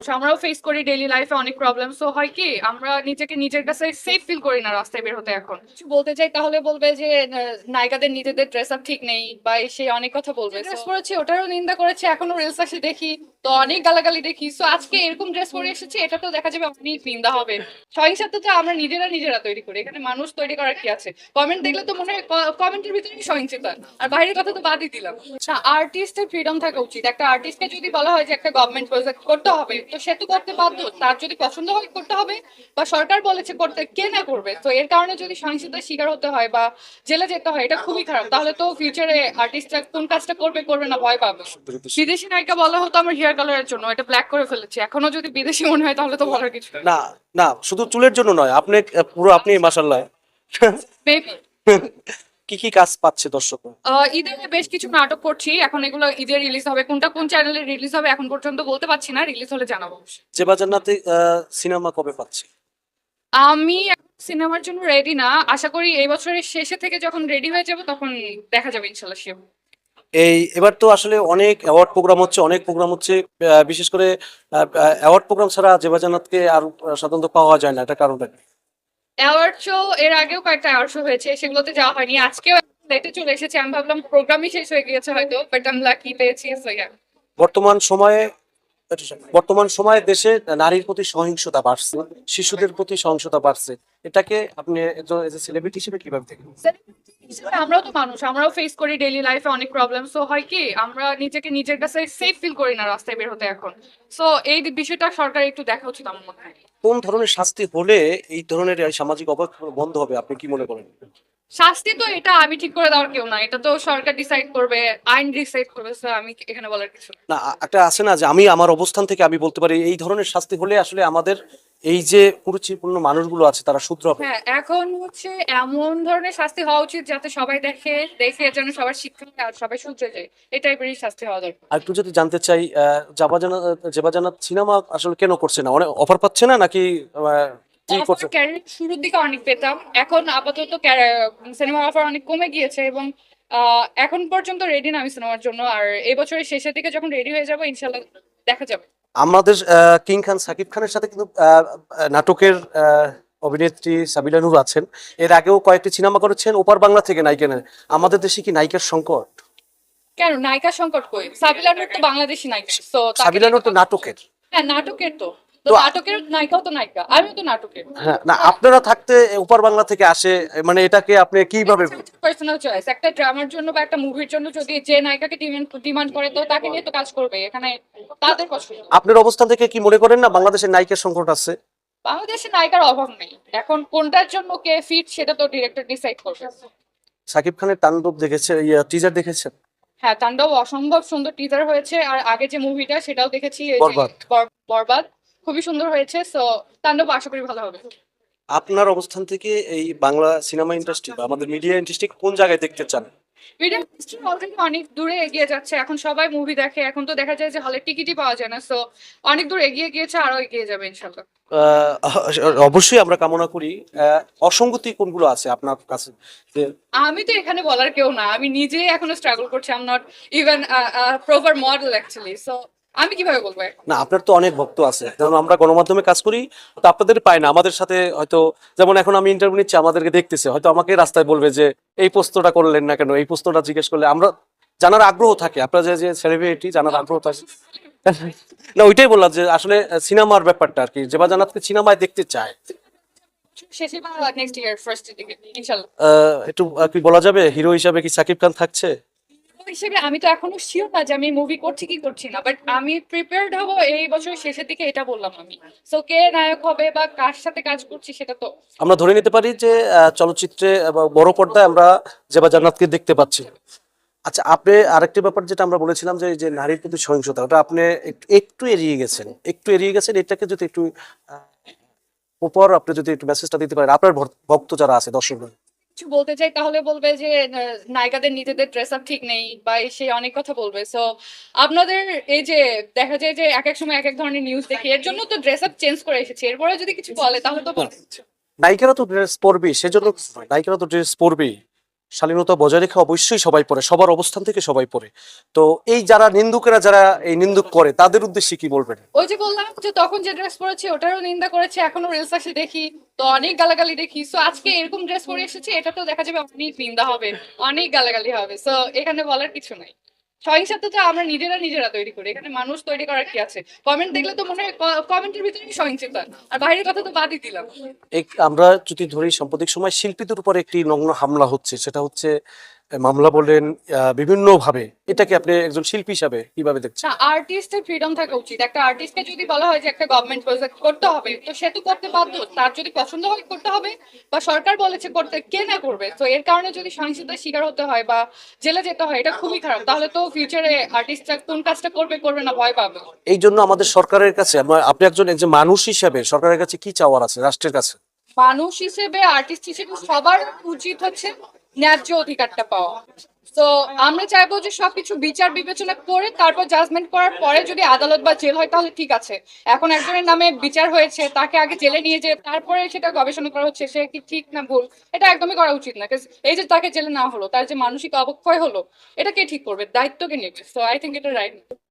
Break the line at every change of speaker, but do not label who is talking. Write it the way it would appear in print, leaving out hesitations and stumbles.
আমরাও ফেস করি ডেইলি লাইফে অনেক প্রবলেম। সো হয় কি আমরা নিজেকে নিজের কাছে সেফ ফিল করি না রাস্তায় বের হতে। এখন কিছু বলতে চাই তাহলে বলবে যে নায়িকাদের নিজেদের ড্রেস আপ ঠিক নেই বা সে অনেক কথা বলবে। ড্রেস পরেছি ওটারও নিন্দা করেছে, এখনো রিলস আসে দেখি তো অনেক গালাগালি দেখি। সো আজকে এরকম ড্রেস পরে এসেছি, এটা তো দেখা যাবে অনেক নিন্দা হবে। সহিংসতা আমরা নিজেরা নিজেরা তৈরি করি, এখানে মানুষ তৈরি করার কি আছে? কমেন্ট দেখলে তো মনে হয় কমেন্টের ভিতরে সহিংসতা, আর বাইরের কথা তো বাদই দিলাম। আর্টিস্টের ফ্রিডম থাকা উচিত। একটা আর্টিস্টকে যদি বলা হয় যে একটা গভর্নমেন্ট প্রজেক্ট করতে হবে তো সে তো করতে বাধ্য, তার যদি পছন্দ হয় করতে হবে, বা সরকার বলেছে করতে, কে না করবে? তো এর কারণে যদি সহিংসতার শিকার হতে হয় বা জেলে যেতে হয়, এটা খুবই খারাপ। তাহলে তো ফিউচারে আর্টিস্টরা কোন কাজটা করবে করবে না ভয় পাবে। বিদেশি নায়িকা বলা হতো আমার হেয়ার কালারের জন্য, এটা ব্ল্যাক করে ফেলেছে, এখনো যদি বিদেশি মনে হয় তাহলে তো বলার কিছু
না না, শুধু চুলের জন্য নয়, আপনি পুরো আপনি মাশাআল্লাহ।
মেবি।
কি কি কাজ পাচ্ছে দর্শক?
ঈদে বেশ কিছু নাটক করছি, এখন এগুলো ঈদে রিলিজ হবে। কোনটা কোন চ্যানেলে রিলিজ হবে এখন পর্যন্ত বলতে পারছি না, রিলিজ হলে জানাবো।
জেবা জান্নাতে সিনেমা কবে পাচ্ছে?
আমি সিনেমার জন্য রেডি না, আশা করি এই বছরের শেষে থেকে যখন রেডি হয়ে যাব তখন দেখা যাবে ইনশাল্লাহ শিওর।
এই এবার তো আসলে অনেক অ্যাওয়ার্ড প্রোগ্রাম হচ্ছে, অনেক প্রোগ্রাম হচ্ছে, বিশেষ করে অ্যাওয়ার্ড প্রোগ্রাম ছাড়া জেবা জান্নাতকে আর সাধারণত পাওয়া যায় না, এটা কারণটা কি?
অ্যাওয়ার্ড শো এর আগেও কয়েকটা অ্যাওয়ার্ড শো হয়েছে, সেগুলোতে যাওয়া হয়নি। আজকেও লেটে চলে এসেছে, আমি ভাবলাম প্রোগ্রামই শেষ হয়ে গিয়েছে হয়তো, বাট আমি লাকি পেয়েছি। So yeah.
বর্তমান সময়ে বর্তমান সময়ে দেশে নারীর প্রতি সহিংসতা বাড়ছে, শিশুদের প্রতি সহিংসতা বাড়ছে, এটাকে আপনি একজন সেলিব্রিটি হিসেবে কিভাবে দেখেন?
আমরাও তো মানুষ, আমরাও ফেস করি ডেইলি লাইফে অনেক প্রবলেম। সো হয় কি আমরা নিজেকে নিজের কাছে সেফ ফিল করি না রাস্তায় বের হতে এখন। সো এই বিষয়টা সরকার একটু দেখা উচিত আমার মনে হয়।
কোন ধরনের শাস্তি হলে এই ধরনের এই সামাজিক অবক্ষয় বন্ধ হবে, আপনি কি মনে করেন?
শাস্তি তো এটা আমি ঠিক করে দেওয়ার কেউ না, এটা তো সরকার ডিসাইড করবে, আইন ডিসাইড করবে। So আমি এখানে বলার কিছু না।
না, একটা আছে না যে আমি আমার অবস্থান থেকে আমি বলতে পারি এই ধরনের শাস্তি হলে আসলে আমাদের এই যে কুরুচিপূর্ণ মানুষগুলো আছে তারা শুধরে হবে।
হ্যাঁ, এখন হচ্ছে এমন ধরনের শাস্তি হওয়া উচিত যাতে সবাই দেখে, দেখে যেন সবার শিক্ষা হয় আর সবাই শুধরে যায়। এই টাইপেরই শাস্তি হওয়া দরকার।
আর একটু যদি জানতে চাই, জেবা জান্নাত সিনেমা আসলে কেন করছে না? অনেক অফার পাচ্ছে না নাকি কি করছে?
ক্যারিয়ার শুরুর দিকে অনেক পেতাম, এখন আপাতত সিনেমা অফার অনেক কমে গিয়েছে, এবং এখন পর্যন্ত রেডি না আমি সিনেমার জন্য। আর এই বছরের শেষের দিকে যখন রেডি হয়ে যাবো ইনশাল্লাহ দেখা যাবে।
আমাদের কিং খান সাকিব খানের সাথে কিন্তু নাটকের অভিনেত্রী সাবিলা নূর আছেন। এর আগেও কয়েকটি সিনেমা করেছেন, ওপার বাংলা থেকে নায়িকা নেন। আমাদের দেশে কি নায়িকার সংকট?
কেন নায়িকা সংকট কই? সাবিলা নূর তো বাংলাদেশি নায়িকা, তো তাকে
সাবিলা
নিয়ে
নূর
তো
তো নাটকের।
হ্যাঁ নাটকের তো, তো
তো
নাটকের নায়িকাও তো নায়িকা, আমিও তো নাটকের।
হ্যাঁ, না আপনারা থাকতে ওপার বাংলা থেকে আসে, মানে এটাকে আপনি কিভাবে?
পার্সোনাল চয়েস, একটা ড্রামার জন্য বা একটা মুভির জন্য যদি যে নায়িকাকে ডিমান্ড করে তো তাকে নিয়ে তো কাজ করবে, এখানে তাদের পছন্দ।
আপনার অবস্থান থেকে কি মনে করেন না বাংলাদেশের নায়িকার সংকট আছে?
বাংলাদেশে নায়িকার অভাব নেই, এখন কোনটার জন্য কে ফিট সেটা তো ডিরেক্টর ডিসাইড করবে।
সাকিব খানের তাণ্ডব দেখেছে, টিজার দেখেছেন?
হ্যাঁ, তাণ্ডব অসম্ভব সুন্দর টিজার হয়েছে, আর আগে যে মুভিটা সেটাও দেখেছি, এই যে
বরবাদ।
বরবাদ, খুবই সুন্দর হয়েছে। সো তাণ্ডব আশা করি ভালো হবে।
আপনার অবস্থান থেকে এই বাংলা সিনেমা ইন্ডাস্ট্রি বা আমাদের মিডিয়া ইন্ডাস্ট্রি কোন জায়গায় দেখতে চান?
মিডিয়া ইন্ডাস্ট্রি অলরেডি অনেক দূরে এগিয়ে যাচ্ছে, এখন সবাই মুভি দেখে, এখন তো দেখা যায় যে হলে টিকিটই পাওয়া যায় না। সো অনেক দূর এগিয়ে গিয়েছে, আরো এগিয়ে যাবে ইনশাল্লাহ।
আহ, অবশ্যই আমরা কামনা করি। অসঙ্গতি কোনগুলো আছে আপনার কাছে যে?
আমি তো এখানে বলার কেউ না, আমি নিজেই এখনো স্ট্রাগল করছি। I am not even proper model actually. So আমি কিভাবে বলবো?
না, আপনার তো অনেক ভক্ত আছে, যেমন আমরা গণমাধ্যমে কাজ করি, তো আপনাদের পায় না আমাদের সাথে হয়তো। যেমন এখন আমি ইন্টারভিউ নিচ্ছি, আমাদেরকে দেখতেছে, হয়তো আমাকে রাস্তায় বলবে যে এই প্রশ্নটা করলেন না কেন, এই প্রশ্নটা জিজ্ঞেস করলে আমরা জানার আগ্রহ থাকে, আপনার যে যে সেলিব্রিটি জানার আগ্রহ থাকে। না, ওইটাই বললাম যে আসলে সিনেমার ব্যাপারটা আর কি, যেবা জান্নাতকে সিনেমায় দেখতে চায়।
শেষে বা নেক্সট ইয়ার ফার্স্ট দিকে ইনশাল্লাহ।
একটু কি বলা যাবে, হিরো হিসাবে কি সাকিব খান থাকছে?
হিসেবে আমি তো এখনো শিওর না যে আমি মুভি করছি কি করছি না, বাট আমি প্রিপেয়ার্ড হব এই বছর শেষের দিকে, এটা বললাম আমি। সো কে নায়ক হবে বা কার সাথে কাজ করছি সেটা তো
আমরা ধরে নিতে পারি যে চলচ্চিত্রে বা বড় পর্দায় আমরা যেবা জান্নাতকে দেখতে পাচ্ছি। আচ্ছা, আপনি আরেকটি ব্যাপার যেটা আমরা বলেছিলাম যে এই যে নারীর প্রতি সহিংসতা, ওটা আপনি একটু এড়িয়ে গেছেন, একটু এড়িয়ে গেছেন। এটাকে যদি একটু আহ, উপর আপনি যদি একটু মেসেজটা দিতে পারেন আপনার ভক্ত যারা আছে, দর্শক।
কিছু বলতে চাই তাহলে বলবে যে নায়িকাদের নিজেদের ড্রেস আপ ঠিক নেই বা সে অনেক কথা বলবে। সো আপনাদের এই যে দেখা যায় যে এক এক সময় এক এক ধরনের নিউজ দেখি, এর জন্য তো ড্রেস আপ চেঞ্জ করে এসেছি, এরপরে যদি কিছু বলে তাহলে তো বলবে।
নায়িকারা তো ড্রেস পরবেই, সেজন্য নায়িকারা তো ড্রেস পরবেই। শালীনতা বজায় রেখে অবশ্যই সবাই পড়ে, সবার অবস্থান থেকে সবাই পড়ে। তো এই যারা নিন্দুকেরা যারা এই নিন্দুক করে তাদের উদ্দেশ্যে কি বলবেন?
ওই যে বললাম যে তখন যে ড্রেস পরেছে ওটারও নিন্দা করেছে, এখনো রিলস আসে দেখি তো অনেক গালাগালি দেখি। সো আজকে এরকম ড্রেস পরে এসেছে, এটা তো দেখা যাবে অনেক নিন্দা হবে, অনেক গালাগালি হবে। সো এখানে বলার কিছু নাই। সহিংসতা আমরা নিজেরা নিজেরা তৈরি করি, এখানে মানুষ তৈরি করার কি আছে? কমেন্ট দেখলে তো মনে হয় কমেন্টের ভিতরে সহিংসতা, আর বাইরের কথা তো বাদই দিলাম।
আমরা যদি ধরি সাম্প্রতিক সময় শিল্পীদের উপর একটি নগ্ন হামলা হচ্ছে, সেটা হচ্ছে মামলা বলেন বিভিন্ন ভাবে, এটাকে আপনি একজন শিল্পী হিসাবে কিভাবে দেখছেন?
না, আর্টিস্টের ফ্রিডম থাকা উচিত। একটা আর্টিস্টকে যদি বলা হয় যে একটা গভর্নমেন্ট প্রজেক্ট করতে হবে, তো সে তো করতে বাধ্য। তার যদি পছন্দ হয় করতে হবে, বা সরকার বলেছে করতে, কে না করবে? তো এর কারণে যদি সহিংসতার শিকার হতে হয় বা জেলে যেতে হয়, এটা খুবই খারাপ। তাহলে তো ফিউচারে আর্টিস্টরা কোন কাজটা করবে করবে না ভয় পাবে।
এই জন্য আমাদের সরকারের কাছে আপনি একজন একজন মানুষ হিসাবে সরকারের কাছে কি চাওয়ার আছে, রাষ্ট্রের কাছে?
মানুষ হিসেবে, আর্টিস্ট হিসেবে সবার উচিত হচ্ছে ন্যায্য অধিকারটা পাওয়া। তো আমরা চাইবো যে সবকিছু বিচার বিবেচনা করে তারপর জাজমেন্ট করার পরে যদি আদালত বা জেল হয় তাহলে ঠিক আছে। এখন একজনের নামে বিচার হয়েছে, তাকে আগে জেলে নিয়ে যেয়ে তারপরে সেটা গবেষণা করা হচ্ছে সে কি ঠিক না ভুল, এটা একদমই করা উচিত না। 'Cause এই যে তাকে জেলে নেওয়া হলো, তার যে মানসিক অবক্ষয় হলো, এটা কে ঠিক করবে? দায়িত্ব কে নেবে? সো আই থিঙ্ক এটা রাইট।